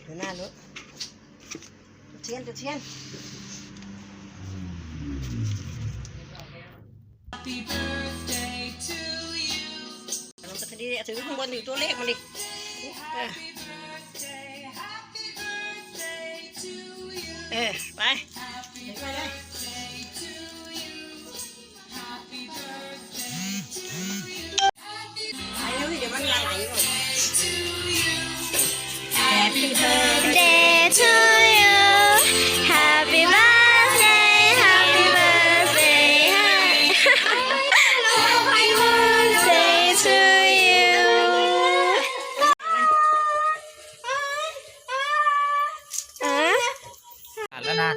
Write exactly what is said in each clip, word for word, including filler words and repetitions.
ดูหน้าลูกจุดเทียนจุดเทียนลงตะกดีถือข้างบนอยู่ตัวเลขมันดิเออไปไปเลยไปเร็วดิเดี๋ยวมันไหลหมด Happy birthday to you Happy birthday Happy birthday Happy birthday to you อ่านแล้วนะ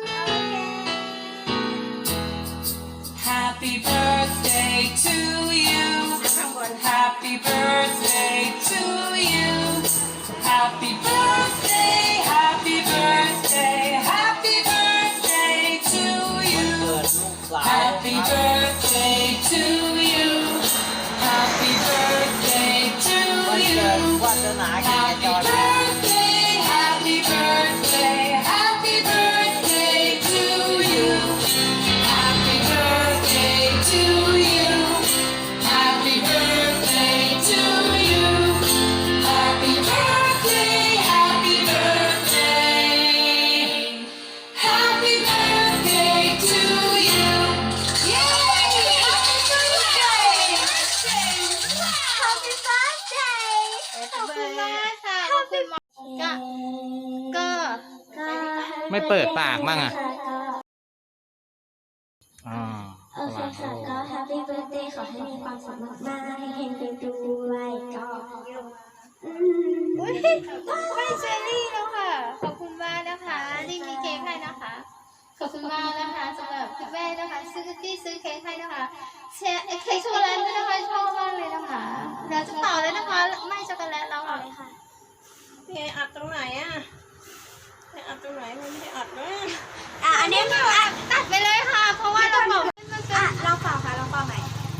Happy birthday to you Happy birthday to you Happy birthday Happy birthday Happy birthday to you Happy birthday to you Happy birthday to you Happy birthday Happy birthday Happy birthday to you Happy birthday to you Happy birthday to you Happy birthday Happy birthday Happy birthday to you Yay Happy birthday Happy birthday ขอบคุณมากค่ะขอบคุณมากก็ก็ก็ไม่เปิดปากมั่งอ่ะอ่าโอเคค่ะก็ Happy birthday ขอให้มีความสุขมากๆให้เฮงๆด้วยก็อืมอุ้ยไม่เจอรี่แล้วค่ะขอบคุณมากนะคะที่มีเค้กให้นะคะขอบคุณมากนะคะสำหรับพี่แม่นะคะซื้อที่ซื้อเค้กให้นะคะเค้กเค้กช็อกโกแลตด้วยนะคะชอบมากเลยนะคะเดี๋ยวจะเป่าเลยนะคะไม่ช็อกโกแลตแล้วค่ะพี่อัดตรงไหนอ่ะพี่อัดตรงไหนมันไม่ได้อัดนะอ่ะอันนี้อ่ะตัดไปเลยค่ะ เพราะว่าต้องบอกอ่ะลองเป่าค่ะลองเป่าใหม่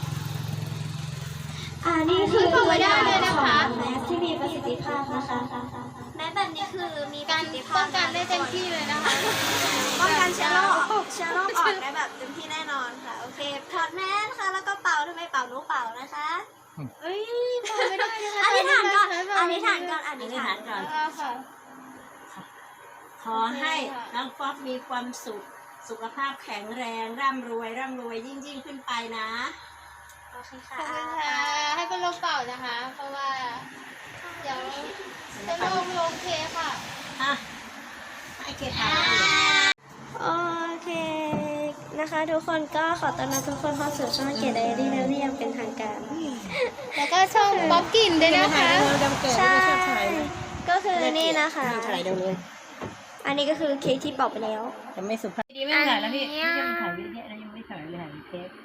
อ่านี่คือตัวอย่างของแมสที่มีประสิทธิภาพนะคะแมสแบบนี้คือมีการป้องกันได้เต็มที่เลยนะคะป้องกันเชื้อโรคเชื้อโรคออกได้แบบเต็มที่แน่นอนค่ะโอเคถอดแมสค่ะแล้วก็เป่าทำไมเป่ารู้เป่านะคะเอ้ยเป่าไม่ได้นะคะอธิษฐานก่อนอธิษฐานก่อนอธิษฐานก่อนค่ะขอให้น้องป๊อปมีความสุขสุขภาพแข็งแรงร่ำรวยร่ำรวยยิ่งยิ่งขึ้นไปนะโอเคขค่ะอบคุณค่ะให้เป็นลมเป่านะคะ เพราะว่าเดี๋ยวจะลงลงเคค่ะอ่ะให้เกตาโอเคนะคะทุกคนก็ขอต้อนรับทุกคนเข้าสู่ช่องเกียรติไดอารี่แล้วนี่ยังเป็นทางการแล้วก็ช่องป๊อปกินด้วยนะคะใช่ก็คือนี่นะคะถ่ายเดี๋ยวเลยอันนี้ก็คือเค้กที่เป่าไปแล้วจะไม่สุภาพดีไม่ถ่ายแล้วพี่พี่ยังถ่ายวิดีโอแล้วยังไม่ถ่ายเลยถ่ายเทป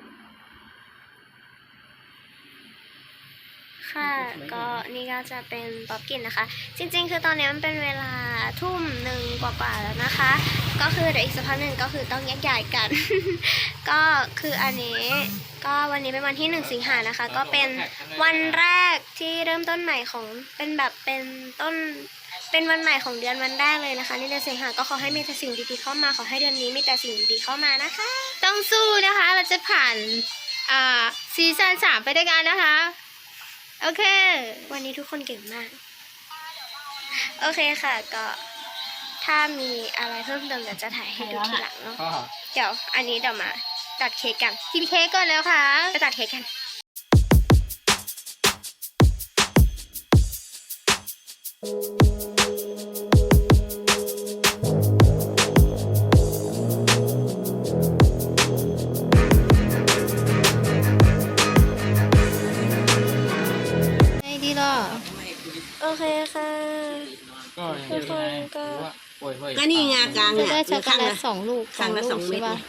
ค่ะก็นี่ก็จะเป็นป๊อปกินนะคะจริงๆคือตอนนี้มันเป็นเวลาทุ่มหนึ่งกว่าๆแล้วนะคะก็คือเดี๋ยวอีกสักพักหนึ่งก็คือต้องแยกย้ายกัน ก็คืออันนี้ก็วันนี้เป็นวันที่หนึ่งสิงหานะคะก็เป็นวันแรกที่เริ่มต้นใหม่ของเป็นแบบเป็นต้นเป็นวันใหม่ของเดือนวันแรกเลยนะคะในเดือนสิงหาก็ขอให้มีแต่สิ่งดีๆเข้ามาขอให้เดือนนี้มีแต่สิ่งดีๆเข้ามานะคะต้องสู้นะคะ เราจะผ่านอ่าซีซั่นสามไปด้วยกันนะคะ โอเควันนี้ทุกคนเก่งมาก โอเคค่ะก็ถ้ามีอะไรเพิ่มเติมเดี๋ยวจะถ่ายให้ดูทีหลังเนาะเดี๋ยวอันนี้เดี๋ยวมาตัดเค้กกันกินเค้กก่อนแล้วค่ะไปตัดเค้กกันไงดีล่ะโอเคค่ะทุกคนก็ก็นี่ไงกลางจะเนี่ยได้ช็อกโกข้างแลละตสองลูกข้างละสองเม็ดใช่ปะ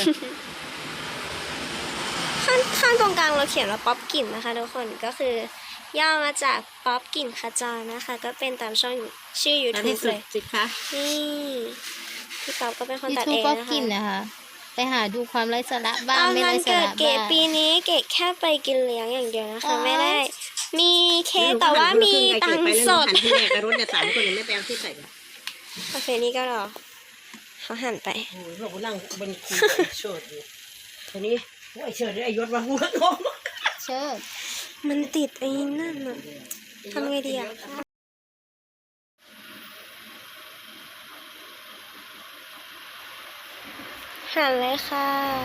ข้างข้างตรงกลางเราเขียนว่าป๊อปกลิ่นนะคะทุกคนก็คือย่อมาจากป๊อปกลิ่นขจรนะคะก็เป็นตามช่องชื่อแล้วที่ YouTube สุเลดยสิคะนี่พี่ป๊อปก็เป็นคนยูตัดทูบเองป๊อปนะคะกินนะคะ ไปหาดูความไร้สาระตบ้างอนไม่วัไร้นสาเกิดระเกดบ้างปีนี้เกดแค่ไปกินเลี้ยงอย่างเดียวนะคะอ๋อไม่ได้มีเค้กแต่ว่ามีตังค์สดหันที่แรกกับรถเนี่ยสามคนยังไม่ไปเอาที่ใส่เลยคาเฟ่นี้ก็รอเขาหันไปโอ้ยเราก็นั่งบนคุยกับไอ้เชิดอยู่ทีนี้โอ้ยไอ้เชิดไอ้ยศมาหัวงงเชิดมันติดไอ้นั่นอะทำไงดีอะหันเลยค่ะ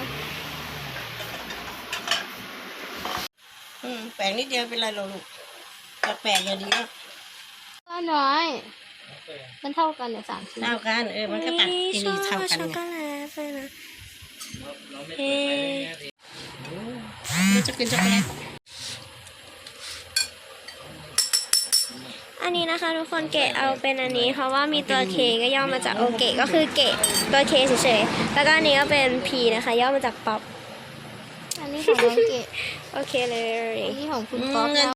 อืมแปลงนิดเดียวเป็นไรหรอกลูกแต่แปลงอย่างเดียวก็น้อย มันเท่ากันเนี่ยสามชิ้นเท่ากันเออมันก็ตัดทีนี้เท่ากันช็อกไงโกแลตเลยนะเอ๊มันจะกินช็อกโกแลตอันนี้นะคะทุกคนเกะเอาเป็นอันนี้ เพราะว่ามีตัว K ก็ย่อมาจากโอเกะก็คือเกะตัว K เฉยๆแล้วก็อันนี้ก็เป็น P นะคะ ย่อมาจากป๊อปอันนี้ของน้องเกดโอเคเลยอันนี้ของคุณป๊อปเงินนะ